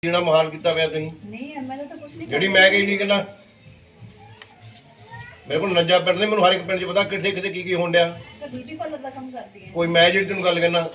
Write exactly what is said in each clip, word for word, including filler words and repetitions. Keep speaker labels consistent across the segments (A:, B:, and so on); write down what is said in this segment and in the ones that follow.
A: जीना महाल किया हुआ तुसीं
B: नहीं एमएलए तो कुछ नहीं
A: ਜਿਹੜੀ ਮੈਂ ਕਹੀ ਨਹੀਂ ਕਹਿੰਦਾ ਮੇਰੇ ਕੋਲ ਨੱਜਾ ਪਿੰਡ ਨੇ ਮੈਨੂੰ ਹਰ ਇੱਕ ਪਿੰਡ 'ਚ ਪਤਾ ਕਿੱਥੇ ਕਿੱਥੇ ਕੀ ਕੀ ਹੋਣ ਡਿਆ
B: ਤਾਂ ਬਿਊਟੀ ਪਾਰਲਰ ਦਾ ਕੰਮ ਕਰਦੀ ਹੈ
A: ਕੋਈ ਮੈਂ ਜਿਹੜੀ ਤੈਨੂੰ ਗੱਲ ਕਹਿਣਾ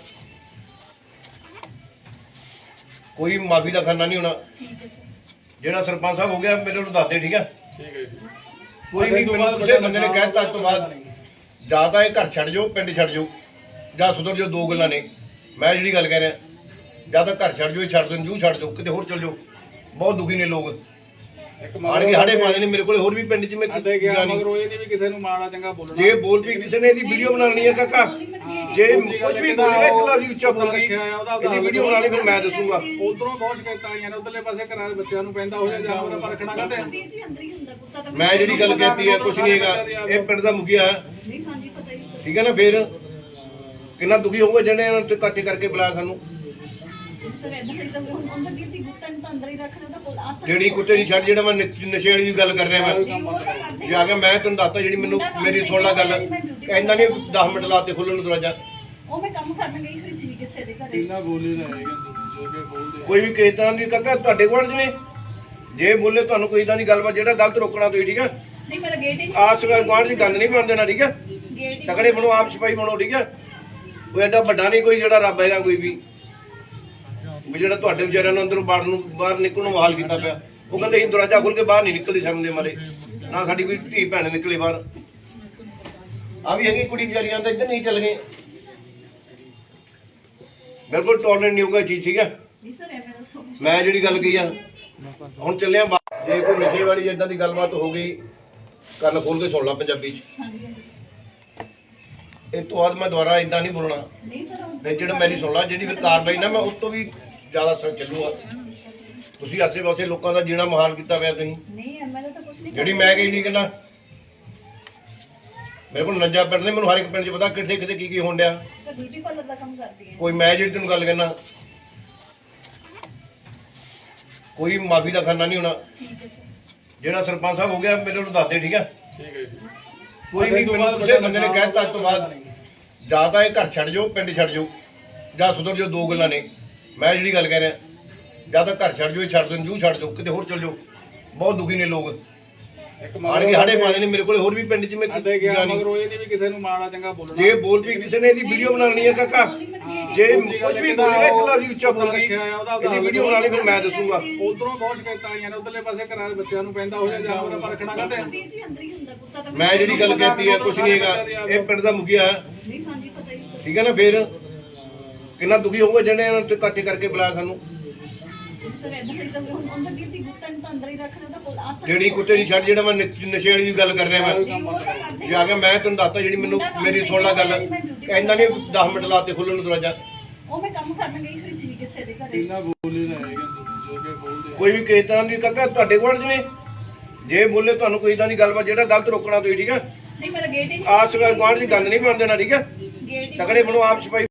A: ਕੋਈ ਮਾਫੀ ਦਾ ਖਾਨਾ ਨਹੀਂ ਹੋਣਾ
B: ਠੀਕ ਹੈ ਸਰ
A: ਜਿਹੜਾ ਸਰਪੰਚ ਸਾਹਿਬ ਹੋ ਗਿਆ ਮੇਰੇ ਨੂੰ ਦੱਸ ਦੇ ਠੀਕ ਹੈ
C: ਠੀਕ ਹੈ ਜੀ।
A: ਕੋਈ ਵੀ ਮੈਨੂੰ ਕਿਸੇ ਬੰਦੇ ਨੇ ਕਹਿਤਾ ਅੱਜ ਤੋਂ ਬਾਅਦ ਜਾਂ ਤਾਂ ਇਹ ਘਰ ਛੱਡ ਜਾਓ ਪਿੰਡ ਛੱਡ ਜਾਓ ਜਾਂ ਸੁਧਰ ਜਾਓ ਦੋ ਗੱਲਾਂ ਨੇ ਮੈਂ ਜਿਹੜੀ ਗੱਲ ਕਹਿ ਰਿਹਾ ਜਾਂ ਤਾਂ ਘਰ ਛੱਡ ਜਾਓ ਇਹ ਛੱਡ ਦਿਓ ਜੂ ਛੱਡ ਜਾਓ ਕਿਤੇ ਹੋਰ ਚਲ ਜਾਓ ਬਹੁਤ ਦੁਖੀ ਨੇ ਲੋਕ
C: ਇੱਕ
A: ਆਣ ਕੇ ਸਾਡੇ ਪਾਉਂਦੇ ਨੇ ਮੇਰੇ ਕੋਲ ਹੋਰ ਵੀ ਪਿੰਡ 'ਚ ਮੈਂ
C: ਅੱਡੇ ਗਿਆ ਮਗਰ ਉਹ ਇਹ ਨਹੀਂ ਵੀ ਕਿਸੇ ਨੂੰ ਮਾੜਾ ਚੰਗਾ ਬੋਲਣਾ
A: ਜੇ ਬੋਲ ਵੀ ਕਿਸੇ ਨੇ ਇਹਦੀ ਵੀਡੀਓ ਬਣਾਉਣੀ ਹੈ ਕਾਕਾ ਜੇ ਕੁਝ ਵੀ ਬੋਲੇਗਾ ਇੱਕ ਲਫ਼ਜ਼ ਉੱਚਾ ਬੋਲਦੀ ਇਹਦੀ ਵੀਡੀਓ ਬਣਾ ਲਈ ਫਿਰ ਮੈਂ ਦੱਸੂਗਾ
C: ਉਧਰੋਂ ਬਹੁਤ ਸ਼ਿਕਾਇਤਾਂ ਆਈਆਂ ਨੇ ਉਧਰਲੇ ਪਾਸੇ ਘਰਾਂ ਦੇ ਬੱਚਿਆਂ ਨੂੰ ਪੈਂਦਾ ਹੋ ਜਾ ਜਾਂ ਉਹਨਾਂ ਪਰ ਰੱਖਣਾ ਕਹਿੰਦੇ
B: ਵੀਰ ਜੀ ਅੰਦਰ ਹੀ ਹੁੰਦਾ ਪੁੱਤਾ ਤਾਂ
A: ਮੈਂ ਜਿਹੜੀ ਗੱਲ ਕਹਿਤੀ ਹੈ ਕੁਝ ਨਹੀਂ ਹੈਗਾ ਇਹ ਪਿੰਡ ਦਾ ਮੁਖੀਆ ਹੈ
B: ਨਹੀਂ ਹਾਂਜੀ ਪਤਾ ਹੀ ਸਰ
A: ਠੀਕ ਹੈ ਨਾ ਫਿਰ ਕਿੰਨਾ ਦੁਖੀ ਹੋਊਗਾ ਜਿਹੜੇ ਇਹਨਾਂ ਤੇ ਕੱਟ ਕਰਕੇ ਬੁਲਾਇਆ ਸਾਨੂੰ
B: ਸਰ ਇਦਾਂ ਹੀ ਤਾਂ ਹੁਣ ਅੰਦਰ ਵੀਰ ਜੀ ਗੁੱਤਾਂ ਨੂੰ ਤਾਂ ਅੰਦਰ ਹੀ ਰੱਖਣਾ ਤਾਂ ਕੋਲ ਆ
A: ਜਿਹੜੀ ਕੁੱਤੇ ਦੀ ਛੱਡ ਜਿਹੜਾ ਮੈਂ ਨਸ਼- ਨਸ਼ੇ ਵਾਲੀ ਦੀ ਗੱਲ ਕਰ ਰਿਹਾ ਮੈਂ ਜੇ ਆ ਕੇ ਮੈਂ ਤੈਨੂੰ ਦੱਸਤਾ ਜਿਹੜੀ ਮੈਨੂੰ ਮੇਰੀ ਸੁਣ ਲੈ ਗੱਲ ਕਹਿੰਦਾ ਨਹੀਂ ਦਸ ਮਿੰਟ ਲਾਤੇ ਖੁੱਲਣ ਨੂੰ ਦਰਵਾਜ਼ਾ
B: ਉਹ ਮੈਂ ਕੰਮ ਕਰਨ ਗਈ ਹੋਈ ਸੀ ਕਿਸੇ ਦੇ ਘਰੇ
C: ਕਿੰਨਾ ਬੋਲੀ ਦਾ ਹੈਗਾ ਜੋ ਕਿ ਬੋਲਦੇ
A: ਕੋਈ ਵੀ ਕਿਸੇ ਤਰ੍ਹਾਂ ਦੀ ਕਾਕਾ ਤੁਹਾਡੇ ਕੋਲ ਜਿਵੇਂ ਜੇ ਬੋਲੇ ਤੁਹਾਨੂੰ ਕੋਈ ਇਦਾਂ ਦੀ ਗੱਲਬਾਤ ਜਿਹੜਾ ਗਲਤ ਰੋਕਣਾ ਤੁਸੀਂ ਠੀਕ ਹੈ
B: ਨਹੀਂ ਮੇਰਾ ਗੇਟ ਹੀ
A: ਆਸ ਗਵਾਂਢ ਦੀ ਗੱਲ ਨਹੀਂ ਬਣ ਦੇਣਾ ਠੀਕ ਹੈ
B: ਗੇਟ ਹੀ
A: ਤਕੜੇ ਬਣੋ ਆਪ ਸਿਪਾਹੀ ਬਣੋ ਠੀਕ ਹੈ ਕੋਈ ਐਡਾ ਵੱਡਾ ਨਹੀਂ ਕੋਈ ਜਿਹੜਾ ਰੱਬ ਹੈਗਾ ਕੋਈ ਵੀ ਵੀ ਜਿਹੜਾ ਤੁਹਾਡੇ ਵਿਚਾਰਿਆਂ ਨੂੰ ਅੰਦਰੋਂ ਬਾਹਰ ਨੂੰ ਬਾਹਰ ਨਿਕਲਣ ਨੂੰ ਹਾਲ ਕੀਤਾ ਪਿਆ ਉਹ ਕਹਿੰਦੇ ਅਸੀਂ ਦਰਵਾਜ਼ਾ ਖੋਲ ਕੇ ਬਾਹਰ ਨਹੀਂ ਨਿਕਲਦੀ ਸ਼ਰਮ ਦੇ ਮਾਰੇ ਨਾ ਸਾਡੀ ਕੋਈ ਧੀ ਭੈਣ ਨਿਕਲੇ ਬਾਹਰ ਆ ਵੀ ਹੈਗੀ ਕੁੜੀ ਵਿਚਾਰੀਆਂ ਤਾਂ ਇੱਧਰ ਨਹੀਂ ਚੱਲ ਗਏ ਬਿਲਕੁਲ ਟੋਲਰੈਂਟ ਨਹੀਂ ਹੋਊਗਾ ਚੀਜ਼ ਠੀਕ ਹੈ
B: ਨਹੀਂ ਸਰ ਐਵੇਂ ਤਾਂ
A: ਮੈਂ ਜਿਹੜੀ ਗੱਲ ਕਹੀ ਆ ਹੁਣ ਚੱਲਿਆ ਬਾਹਰ। ਜੇ ਕੋਈ ਨਸ਼ੇ ਵਾਲੀ ਇਦਾਂ ਦੀ ਗੱਲਬਾਤ ਹੋ ਗਈ ਕੰਨ ਖੋਲ ਕੇ ਸੁਣ ਲਾ ਪੰਜਾਬੀ 'ਚ
B: ਹਾਂਜੀ ਹਾਂਜੀ
A: ਇਹ ਤੋਂ ਬਾਅਦ ਮੈਂ ਦੁਬਾਰਾ ਇਦਾਂ ਨਹੀਂ ਬੋਲਣਾ
B: ਨਹੀਂ ਸਰ ਉਹ-
A: ਤੇ ਜਿਹੜਾ ਮੇਰੀ ਸੁਣ ਲਾ ਜਿਹੜੀ ਫਿਰ ਕਾਰਵਾਈ ਨਾ ਮੈਂ ਉਸ ਤੋਂ ਵੀ ਜ਼ਿਆਦਾ ਸਰ ਚੱਲੂਗਾ ਤੁਸੀਂ ਆਸੇ ਪਾਸੇ ਲੋਕਾਂ ਦਾ ਜੀਣਾ ਮਹਾਲ ਕੀਤਾ ਹੋਇਆ ਤੁਸੀਂ
B: ਨਹੀਂ ਐਮਐਲਏ ਤਾਂ ਕੁਝ ਨਹੀਂ
A: ਜਿਹੜੀ ਮੈਂ ਕਹੀ ਨਹੀਂ ਕਹਿੰਦਾ ਮੇਰੇ ਕੋਲ ਨੱਜਾ ਪਿੰਡ ਨੇ ਮੈਨੂੰ ਹਰ ਇੱਕ ਪਿੰਡ 'ਚ ਪਤਾ ਕਿੱਥੇ ਕਿੱਥੇ ਕੀ ਕੀ ਹੋਣ ਡਿਆ
B: ਤਾਂ ਬਿਊਟੀ ਪਾਰਲਰ ਦਾ ਕੰਮ ਕਰਦੀ ਹੈ
A: ਕੋਈ ਮੈਂ ਜਿਹੜੀ ਤੈਨੂੰ ਗੱਲ ਕਹਿਣਾ ਕੋਈ ਮਾਫੀ ਦਾ ਖਾਨਾ ਨਹੀਂ ਹੋਣਾ
B: ਠੀਕ ਹੈ ਸਰ
A: ਜਿਹੜਾ ਸਰਪੰਚ ਸਾਹਿਬ ਹੋ ਗਿਆ ਮੇਰੇ ਨੂੰ ਦੱਸ ਦੇ ਠੀਕ ਹੈ
C: ਠੀਕ ਹੈ ਜੀ।
A: ਕੋਈ ਵੀ ਮੈਨੂੰ ਕਿਸੇ ਬੰਦੇ ਨੇ ਕਹਿਤਾ ਅੱਜ ਤੋਂ ਬਾਅਦ ਜਾਂ ਤਾਂ ਇਹ ਘਰ ਛੱਡ ਜਾਓ ਪਿੰਡ ਛੱਡ ਜਾਓ ਜਾਂ ਸੁਧਰ ਜਾਓ ਦੋ ਗੱਲਾਂ ਨੇ ਮੈਂ ਜਿਹੜੀ ਗੱਲ ਕਹਿ ਰਿਹਾ ਜਾਂ ਤਾਂ ਘਰ ਛੱਡ ਜਾਓ ਇਹ ਛੱਡ ਦਿਓ ਜੂ ਛੱਡ ਜਾਓ ਕਿਤੇ ਹੋਰ ਚਲ ਜਾਓ ਬਹੁਤ ਦੁਖੀ ਨੇ ਲੋਕ
C: ਇੱਕ
A: ਆਣ ਕੇ ਸਾਡੇ ਪਾਉਂਦੇ ਨੇ ਮੇਰੇ ਕੋਲ ਹੋਰ ਵੀ ਪਿੰਡ 'ਚ ਮੈਂ
C: ਅੱਡੇ ਗਿਆ ਮਗਰ ਉਹ ਇਹ ਨਹੀਂ ਵੀ ਕਿਸੇ ਨੂੰ ਮਾੜਾ ਚੰਗਾ ਬੋਲਣਾ
A: ਜੇ ਬੋਲ ਵੀ ਕਿਸੇ ਨੇ ਇਹਦੀ ਵੀਡੀਓ ਬਣਾਉਣੀ ਹੈ ਕਾਕਾ ਜੇ ਕੁਝ ਵੀ ਬੋਲੇਗਾ ਇੱਕ ਲਫ਼ਜ਼ ਉੱਚਾ ਬੋਲਦੀ ਇਹਦੀ ਵੀਡੀਓ ਬਣਾ ਲਈ ਫਿਰ ਮੈਂ ਦੱਸੂਗਾ
C: ਉਧਰੋਂ ਬਹੁਤ ਸ਼ਿਕਾਇਤਾਂ ਆਈਆਂ ਨੇ ਉਧਰਲੇ ਪਾਸੇ ਘਰਾਂ ਦੇ ਬੱਚਿਆਂ ਨੂੰ ਪੈਂਦਾ ਹੋ ਜਾ ਜਾਂ ਉਹਨਾਂ ਪਰ ਰੱਖਣਾ ਕਹਿੰਦੇ
B: ਵੀਰ ਜੀ ਅੰਦਰ ਹੀ ਹੁੰਦਾ ਪੁੱਤਾ ਤਾਂ
A: ਮੈਂ ਜਿਹੜੀ ਗੱਲ ਕਹਿਤੀ ਹੈ ਕੁਝ ਨਹੀਂ ਹੈਗਾ ਇਹ ਪਿੰਡ ਦਾ ਮੁਖੀਆ ਹੈ
B: ਨਹੀਂ ਹਾਂਜੀ ਪਤਾ ਹੀ ਸਰ
A: ਠੀਕ ਹੈ ਨਾ ਫਿਰ ਕਿੰਨਾ ਦੁਖੀ ਹੋਊਗਾ ਜਿਹੜੇ ਇਹਨਾਂ ਤੇ ਕੱਟ ਕਰਕੇ ਬੁਲਾਇਆ ਸਾਨੂੰ
B: ਸਰ ਇਦਾਂ ਹੀ ਤਾਂ ਹੁਣ ਅੰਦਰ ਵੀਰ ਜੀ ਗੁੱਤਾਂ ਨੂੰ ਤਾਂ ਅੰਦਰ ਹੀ ਰੱਖਣਾ ਤਾਂ ਕੋਲ ਆ
A: ਜਿਹੜੀ ਕੁੱਤੇ ਦੀ ਛੱਡ ਜਿਹੜਾ ਮੈਂ ਨਸ਼- ਨਸ਼ੇ ਵਾਲੀ ਦੀ ਗੱਲ ਕਰ ਰਿਹਾ ਮੈਂ ਜੇ ਆ ਕੇ ਮੈਂ ਤੈਨੂੰ ਦੱਸਤਾ ਜਿਹੜੀ ਮੈਨੂੰ ਮੇਰੀ ਸੁਣ ਲੈ ਗੱਲ ਕਹਿੰਦਾ ਨਹੀਂ ਦਸ ਮਿੰਟ ਲਾਤੇ ਖੁੱਲਣ ਨੂੰ ਦਰਵਾਜ਼ਾ
B: ਉਹ ਮੈਂ ਕੰਮ ਕਰਨ ਗਈ ਹੋਈ ਸੀ ਕਿਸੇ ਦੇ ਘਰੇ
C: ਕਿੰਨਾ ਬੋਲੀ ਦਾ ਹੈਗਾ ਜੋ ਕਿ ਬੋਲਦੇ
A: ਕੋਈ ਵੀ ਕਿਸੇ ਤਰ੍ਹਾਂ ਦੀ ਕਾਕਾ ਤੁਹਾਡੇ ਕੋਲ ਜਿਵੇਂ ਜੇ ਬੋਲੇ ਤੁਹਾਨੂੰ ਕੋਈ ਇਦਾਂ ਦੀ ਗੱਲਬਾਤ ਜਿਹੜਾ ਗਲਤ ਰੋਕਣਾ ਤੁਸੀਂ ਠੀਕ ਹੈ
B: ਨਹੀਂ ਮੇਰਾ ਗੇਟ ਹੀ
A: ਆਸ ਗਵਾਂਢ ਦੀ ਗੱਲ ਨਹੀਂ ਬਣ ਦੇਣਾ ਠੀਕ ਹੈ
B: ਗੇਟ ਹੀ
A: ਤਕੜੇ ਬਣੋ ਆਪ ਸਿਪਾਹੀ